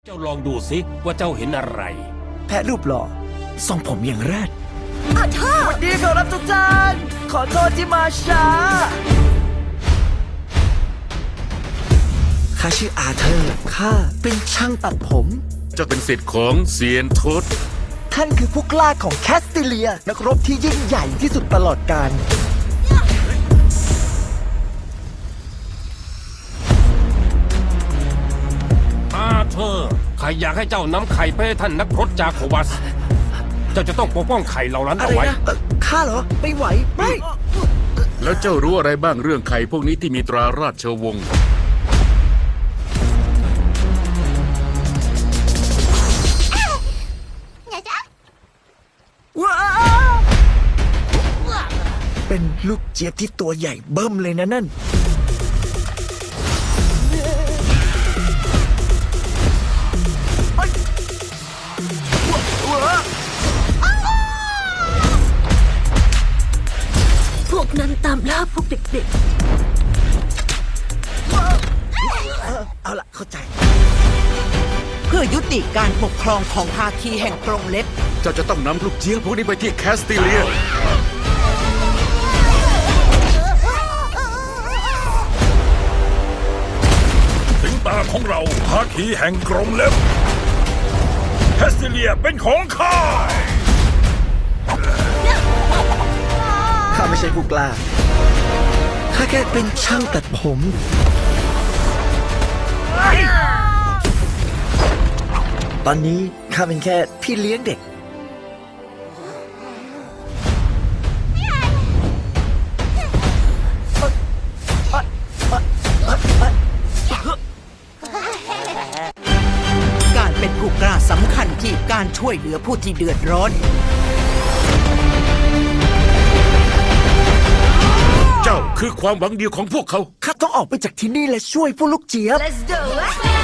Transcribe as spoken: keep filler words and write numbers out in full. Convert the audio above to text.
เจ้าลองดูสิว่าเจ้าเห็นอะไรแพะรูปหล่อทรงผมอย่างแรดขอโทษสวัสดีขอรับทุกท่านขอโทษที่มาช้าข้าชื่ออาเธอร์ข้าเป็นช่างตัดผมเจ้าเป็นศิษย์ของเซียนทศท่านคือผู้กล้าของแคสติเลีย นักรบที่ยิ่งใหญ่ที่สุดตลอดกาลอาเธอร์ข้าอยากให้เจ้านำไข่ไปให้ท่านนักพรตจาโควัส เจ้าจะต้องปกป้องไข่เหล่านั้นอะเอาไรไว้นะเอ่อข้าเหรอ ไม่ไหว ไม่แล้วเจ้ารู้อะไรบ้างเรื่องไข่พวกนี้ที่มีตราราชวงศ์ว้าวเป็นลูกเจี๊ยบที่ตัวใหญ่เบิ่มเลยนะนั่นพวกนั้นตามล่าพวกเด็กเอาล่ะ เข้าใจเพื่อยุติการปกครองของภาคีแห่งกรงเล็บเจ้าจะต้องนำลูกเจี๊ยบพวกนี้ไปที่แคสติเลียถึงตาของเราภาคีแห่งกรงเล็บแคสติเลียเป็นของข้าข้าไม่ใช่ผู้กล้า ข้าแค่เป็นช่างตัดผม ตอนนี้ข้าเป็นแค่พี่เลี้ยงเด็กการเป็นผู้กล้าสำคัญที่การช่วยเหลือผู้ที่เดือดร้อนเจ้าคือความหวังเดียวของพวกเขาข้าต้องออกไปจากที่นี่และช่วยผู้ลูกเจี๊ยบๆ Let's do it